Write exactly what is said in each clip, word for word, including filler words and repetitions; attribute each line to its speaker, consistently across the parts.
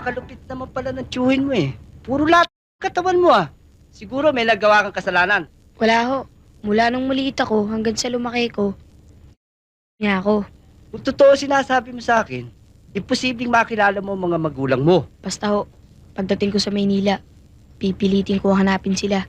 Speaker 1: Napakalupit naman pala ng tiyuhin mo eh. Puro lahat ng katawan mo ah. Siguro may nagawa kang kasalanan.
Speaker 2: Wala ho. Mula nung maliit ako hanggang sa lumaki ko, niya ako.
Speaker 1: Kung totoo sinasabi mo sa akin, imposibleng makilala mo ang mga magulang mo.
Speaker 2: Basta ho, pagdating ko sa Maynila, pipilitin ko hanapin sila.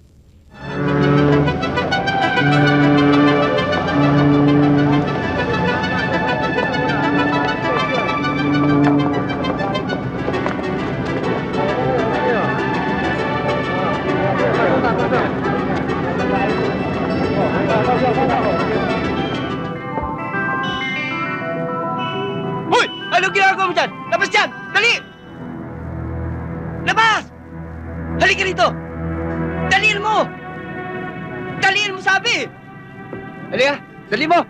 Speaker 1: Hoy! Anong ginagawa mo dyan? Labas dyan! Dali! Labas! Halika rito! Daliin mo! Daliin mo sabi! Halika! Dali mo!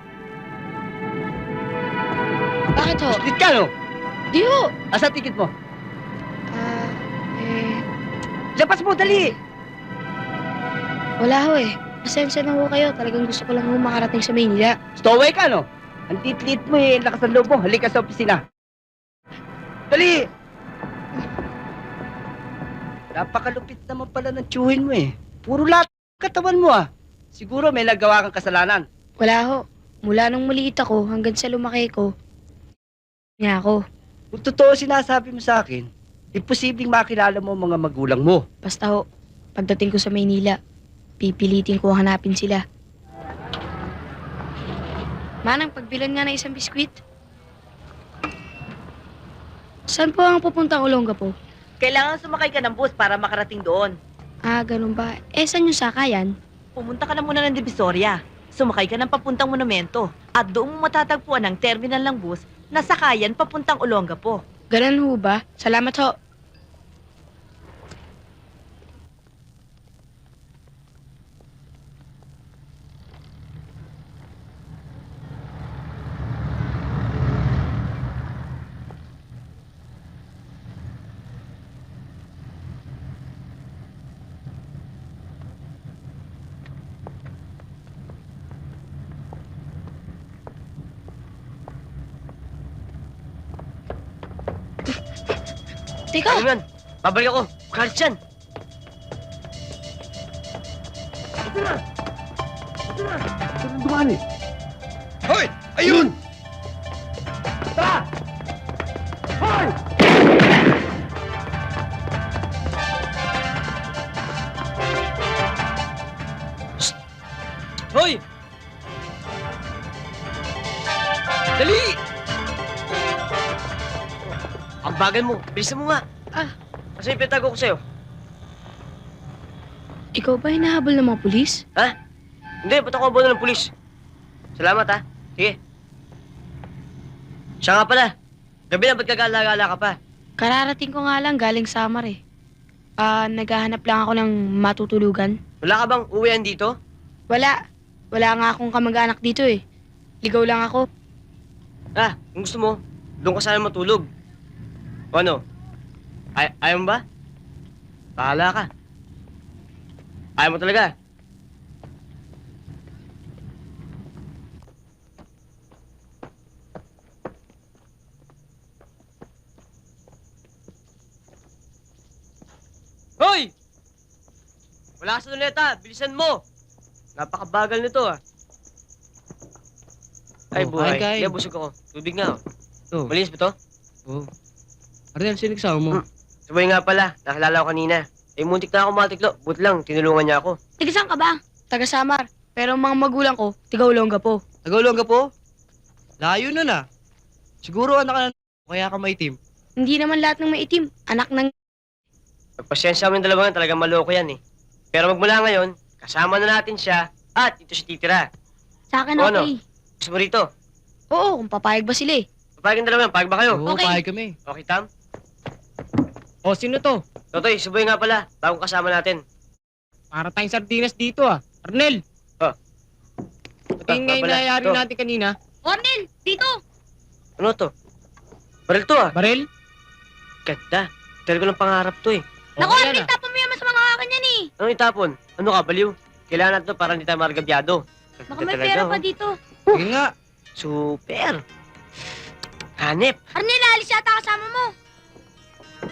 Speaker 2: Bakit ho?
Speaker 1: Split ka no?
Speaker 2: Di ho!
Speaker 1: Asa ticket mo?
Speaker 2: Ah, eh,
Speaker 1: Labas mo! Dali!
Speaker 2: wala ho eh. Pasensya na ho kayo. Talagang gusto ko lang ho makarating sa Maynila.
Speaker 1: Stowaway ka no? Ang titlit mo eh. Ang lakas ng loob mo. Halika sa opisina. Dali! Napakalupit naman pala ng tiyuhin mo eh. Puro lahat ng katawan mo ah. Siguro may nagawa kang kasalanan.
Speaker 2: Wala ho. Mula nung maliit ako hanggang sa lumaki ko, niya ako.
Speaker 1: Kung totoo sinasabi mo sa akin, imposibleng makilala mo ang mga magulang mo.
Speaker 2: Basta ho, pagdating ko sa Maynila, pipilitin ko hanapin sila. Manang, pagbilan nga na isang biskwit. Saan po ang pupuntang Olongapo?
Speaker 3: Kailangan sumakay ka ng bus para makarating doon.
Speaker 2: Ah, ganun ba? Eh, saan yung sakayan?
Speaker 3: Pumunta ka na muna ng Divisoria. Sumakay ka ng papuntang monumento. At doon mo matatagpuan ang terminal ng bus na sakayan papuntang Olongapo.
Speaker 2: Ganun ho ba? Salamat ho. Teka,
Speaker 1: Ano yan? Babalik ako. Kalit yan. Ito na! Ito na! Ito na dumaan eh. Hoy! Ayun! Tara! Hoy! Shh! Hoy! Dali! Ang bagal mo. Bilisan mo nga.
Speaker 2: Ah.
Speaker 1: Kasi ipinatago ko sa'yo.
Speaker 2: ikaw ba hinahabol ng mga pulis?
Speaker 1: Ha? Hindi, ba't ako abono ng pulis? Salamat, ha? Sige. Siya nga pala. Gabi na, ba't kagala-gala ka pa?
Speaker 2: Kararating ko nga lang galing Samar eh. Ah, naghahanap lang ako ng matutulugan.
Speaker 1: Wala ka bang uwian dito?
Speaker 2: Wala. Wala nga akong kamag-anak dito eh. Ligaw lang ako.
Speaker 1: Ah, kung gusto mo, doon ka sana matulog. O ano? Ay ayaw mo ba? Bahala ka. Ayaw mo talaga. Hoy! Wala ka sa luneta. Bilisan mo. Napakabagal nito ah. Ay,
Speaker 4: Oh,
Speaker 1: buhay.
Speaker 4: kain, kain.
Speaker 1: Kaya busog ako. Tubig nga oh.
Speaker 4: Oh,
Speaker 1: Malinis ba to?
Speaker 4: oh. Arnel, sino kasama mo?
Speaker 1: Hmm. Sabay nga pala. Nakilala ko kanina. Eh, muntik na ako matiklo. Buti lang, tinulungan niya ako.
Speaker 2: Tiga saan ka ba? Taga Samar. Pero ang mga magulang ko, tiga Olongapo.
Speaker 4: Nagulong ka po? Layo nun ah. Siguro anak ka na kaya ka maitim.
Speaker 2: Hindi naman lahat ng maitim. Anak ng...
Speaker 1: Pagpasensya mo yung dalawa nga, talagang maloko yan eh. Pero magmula ngayon, kasama na natin siya at ito si titira.
Speaker 2: Sa akin
Speaker 1: O, ano?
Speaker 2: okay.
Speaker 1: Gusto mo rito?
Speaker 2: Oo, kung papayag ba sila eh.
Speaker 1: Papayag ang dalawa yan, payag ba kayo?
Speaker 4: Oo,
Speaker 2: Okay.
Speaker 4: pahay kami.
Speaker 1: Okay, Tam?
Speaker 4: Oh, sino to?
Speaker 1: Totoy, subuhin nga pala, bagong kasama natin.
Speaker 4: Para tayong sardinas dito ah. Arnel!
Speaker 1: Oh.
Speaker 4: Pati nga
Speaker 1: Ah,
Speaker 4: yung
Speaker 1: pala.
Speaker 4: nangyayari
Speaker 1: To.
Speaker 4: natin kanina.
Speaker 2: Ornel, dito!
Speaker 1: Ano to? Baril to ah.
Speaker 4: Barel?
Speaker 1: Ganda. Talaga ng pangarap to eh.
Speaker 2: Naku,
Speaker 4: Okay
Speaker 2: Ornel,
Speaker 4: yan ah.
Speaker 2: tapon mo yan sa mga kakanyan eh.
Speaker 1: Anong itapon? Ano ka, baliw? Kailangan natin to para hindi tayo maragabyado.
Speaker 2: Baka
Speaker 1: Ganda
Speaker 2: may
Speaker 1: talaga,
Speaker 2: pera
Speaker 1: oh.
Speaker 2: pa dito.
Speaker 4: Sige nga.
Speaker 1: Super. Hanip.
Speaker 2: Arnel, alis yata kasama mo.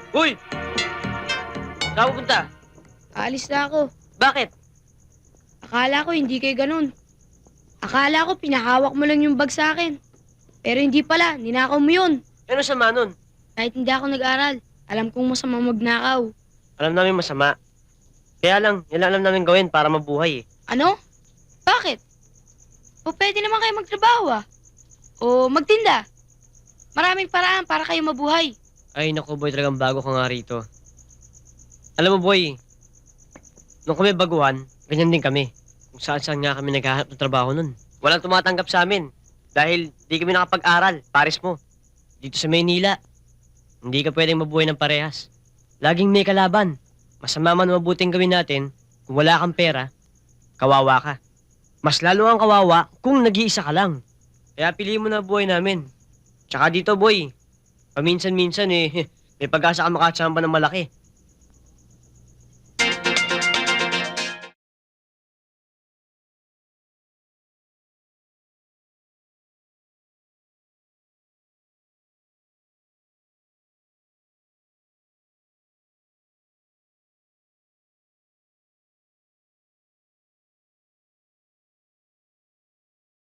Speaker 1: Uy! Saan ka pupunta?
Speaker 2: Aalis na ako.
Speaker 1: Bakit?
Speaker 2: Akala ko hindi kayo ganun. Akala ko pinahawak mo lang yung bag sa akin. Pero hindi pala, ninakaw mo yun.
Speaker 1: Ano sama nun?
Speaker 2: Kahit hindi ako nag-aral, alam kong masama magnakaw.
Speaker 1: Alam namin masama. Kaya lang, yan lang alam namin gawin para mabuhay eh.
Speaker 2: Ano? Bakit? O pwede naman kayo magtrabaho ah. O magtinda. Maraming paraan para kayo mabuhay.
Speaker 1: Ay, naku boy, talagang bago ka nga rito. Alam mo boy, nung kami baguhan, ganyan din kami. Kung saan saan nga kami naghahanap ng trabaho nun. Walang tumatanggap sa amin. Dahil di kami nakapag-aral, pares mo. Dito sa Maynila, hindi ka pwedeng mabuhay ng parehas. Laging may kalaban. Masama man mabuting gawin natin, kung wala kang pera, kawawa ka. Mas lalo ang kawawa kung nag-iisa ka lang. Kaya piliin mo na buhay namin. Tsaka dito boy, paminsan-minsan eh, may pag-asa ka makachamba ng malaki.